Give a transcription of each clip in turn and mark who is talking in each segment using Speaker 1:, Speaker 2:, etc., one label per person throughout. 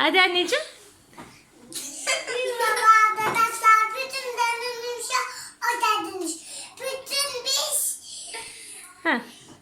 Speaker 1: Hadi anneciğim.
Speaker 2: Merhaba arkadaşlar. Bütün dönümümüz o dediniz. Bütün biz
Speaker 1: Heh.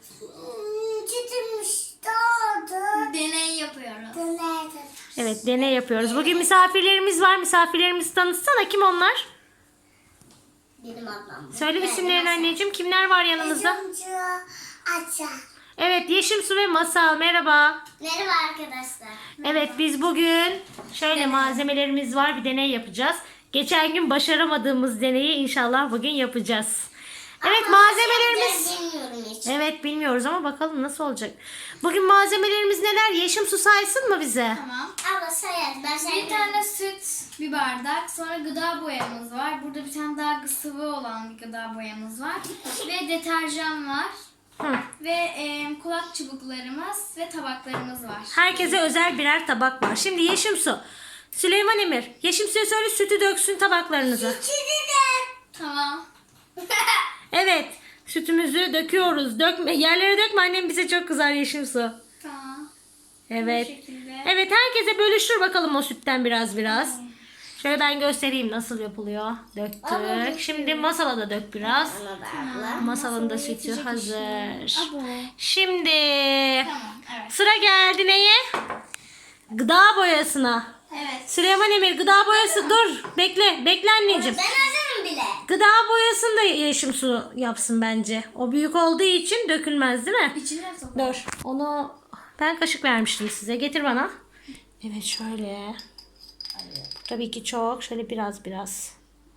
Speaker 2: sütümüz doğdu.
Speaker 3: Deney yapıyoruz.
Speaker 2: Dönerdim.
Speaker 1: Evet, deney yapıyoruz. Bugün misafirlerimiz var. Misafirlerimizi tanıtsana. Kim onlar?
Speaker 2: Benim ablam.
Speaker 1: Söyle isimlerini anneciğim. Kimler var yanımızda?
Speaker 2: Üzümcü Aça.
Speaker 1: Evet, Yeşim Su ve Masal. Merhaba.
Speaker 2: Merhaba arkadaşlar.
Speaker 1: Evet, biz bugün şöyle malzemelerimiz var. Bir deney yapacağız. Geçen gün başaramadığımız deneyi inşallah bugün yapacağız. Evet, malzemelerimiz.
Speaker 2: Bilmiyorum hiç.
Speaker 1: Evet, bilmiyoruz ama bakalım nasıl olacak. Bugün malzemelerimiz neler? Yeşim Su saysın mı bize?
Speaker 3: Tamam.
Speaker 2: Abla sayar. Ben
Speaker 3: Bir
Speaker 2: sayarım.
Speaker 3: tane süt, bir bardak. Sonra gıda boyamız var. Burada bir tane daha sıvı olan bir gıda boyamız var. Ve deterjan var.
Speaker 1: Hı.
Speaker 3: Ve kulak çubuklarımız ve tabaklarımız var.
Speaker 1: Herkese özel birer tabak var. Şimdi Yeşim Su. Süleyman Emir. Yeşim Su'ya söyle sütü döksün tabaklarınıza.
Speaker 3: Tamam.
Speaker 1: Evet. Sütümüzü döküyoruz. Dökme. Yerlere dökme, annem bize çok kızar Yeşim Su.
Speaker 3: Tamam.
Speaker 1: Evet.
Speaker 3: Bu şekilde.
Speaker 1: Evet, herkese bölüştür bakalım o sütten biraz biraz. Şöyle ben göstereyim nasıl yapılıyor. Döktük. Şimdi masala da dök biraz. Masalın da sütü hazır.
Speaker 3: Abo.
Speaker 1: Şimdi
Speaker 3: Tamam. Evet.
Speaker 1: sıra geldi neye? Gıda boyasına.
Speaker 3: Evet.
Speaker 1: Süleyman Emir, gıda boyası dur. Bekle. Bekle anneciğim.
Speaker 2: Ben hazırım bile.
Speaker 1: Gıda boyasını da Yeşim Su yapsın bence. O büyük olduğu için dökülmez değil mi?
Speaker 3: İçine sok.
Speaker 1: Dur. Onu ben kaşık vermiştim size. Getir bana. Evet, şöyle. Tabii ki çok. Şöyle biraz biraz.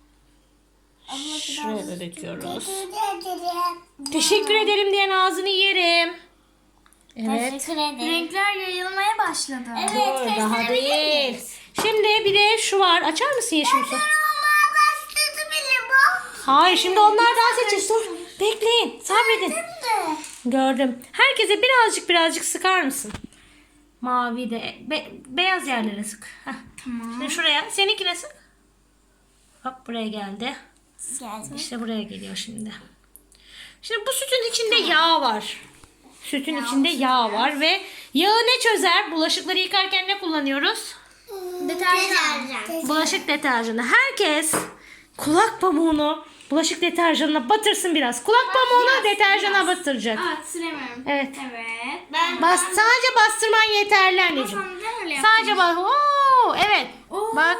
Speaker 1: Şuraya da döküyoruz. Teşekkür ederim diyen ağzını yerim. Evet.
Speaker 2: Teşekkür ederim.
Speaker 3: Renkler yayılmaya başladı.
Speaker 1: Dur, daha değil. Şimdi bir de şu var. Açar mısın Yeşim Su?
Speaker 2: Olmaya başladı bile bu.
Speaker 1: Hayır, şimdi onlardan seçeceğiz. Dur. Bekleyin. Sabredin.
Speaker 2: Şimdi.
Speaker 1: Gördüm. Herkese birazcık sıkar mısın? Mavi de beyaz yerlere sık. Heh.
Speaker 3: Tamam.
Speaker 1: Şimdi şuraya. Seninkine sık. Hop, buraya geldi.
Speaker 2: Geldi.
Speaker 1: İşte buraya geliyor şimdi. Şimdi bu sütün içinde yağ var. Sütün içinde yağ var ve yağı ne çözer? Bulaşıkları yıkarken ne kullanıyoruz?
Speaker 3: Deterjan.
Speaker 1: Bulaşık deterjanı. Herkes kulak pamuğunu bulaşık deterjanına batırsın biraz. Kulak pamuğunu deterjana batıracak.
Speaker 3: Evet, süremiyorum.
Speaker 1: Evet.
Speaker 3: Evet.
Speaker 1: Sadece bastırman yeterli anneciğim.
Speaker 3: Neden öyle yaptın?
Speaker 1: Sadece bak. Oo, evet.
Speaker 3: Oo.
Speaker 1: Bak.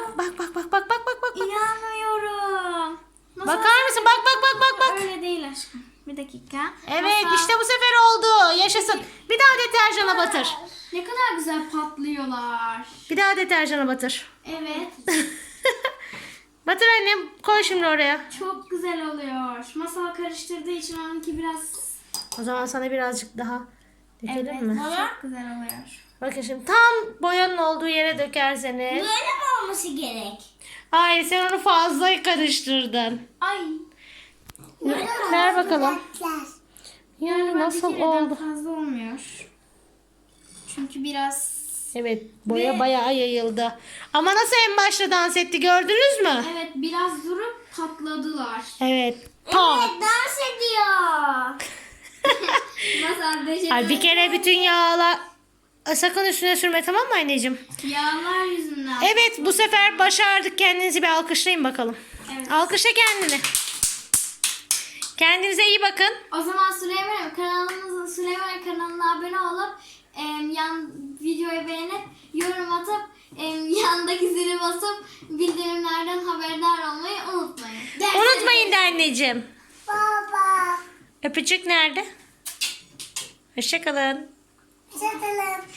Speaker 3: İnanmıyorum. Nasıl
Speaker 1: Bakar mısın? Bak.
Speaker 3: Öyle değil aşkım. Bir dakika.
Speaker 1: Evet,
Speaker 3: Masal,
Speaker 1: işte bu sefer oldu. Yaşasın. Bir daha deterjana batır.
Speaker 3: ne kadar güzel patlıyorlar.
Speaker 1: Bir daha deterjana batır.
Speaker 3: Evet.
Speaker 1: Batır annem. Koy şimdi oraya.
Speaker 3: Çok güzel oluyor. Masal karıştırdığı için onunki biraz...
Speaker 1: O zaman sana birazcık daha dökelim mi?
Speaker 3: Çok güzel oluyor.
Speaker 1: Bakın şimdi tam boyanın olduğu yere dökerseniz.
Speaker 2: Böyle mi olması gerek?
Speaker 1: Hayır, sen onu fazla karıştırdın.
Speaker 3: Ay.
Speaker 1: Ver bakalım. Yani
Speaker 3: Bir
Speaker 1: nasıl
Speaker 3: kereden
Speaker 1: oldu?
Speaker 3: fazla olmuyor. Çünkü biraz...
Speaker 1: Evet, boya
Speaker 3: Ve-
Speaker 1: bayağı yayıldı. Ama nasıl en başta dans etti, gördünüz mü?
Speaker 3: Evet, biraz durup patladılar.
Speaker 1: Evet. Pat.
Speaker 2: Dans ediyor.
Speaker 3: Masal becerdi.
Speaker 1: Ay, bir kere bütün yağla sakın üstüne sürme, tamam mı anneciğim?
Speaker 3: Yağlar yüzünden.
Speaker 1: Evet, bu sefer başardık. Kendinizi bir alkışlayın bakalım.
Speaker 3: Evet.
Speaker 1: Alkışla kendini. Kendinize iyi bakın.
Speaker 3: O zaman Süleyman kanalına abone olup yan videoyu beğenip yorum atıp yandaki zili basıp bildirimlerden haberdar olmayı unutmayın.
Speaker 1: Unutmayın de anneciğim.
Speaker 2: Baba.
Speaker 1: Öpücük nerede? Hoşçakalın.
Speaker 2: Çatalım.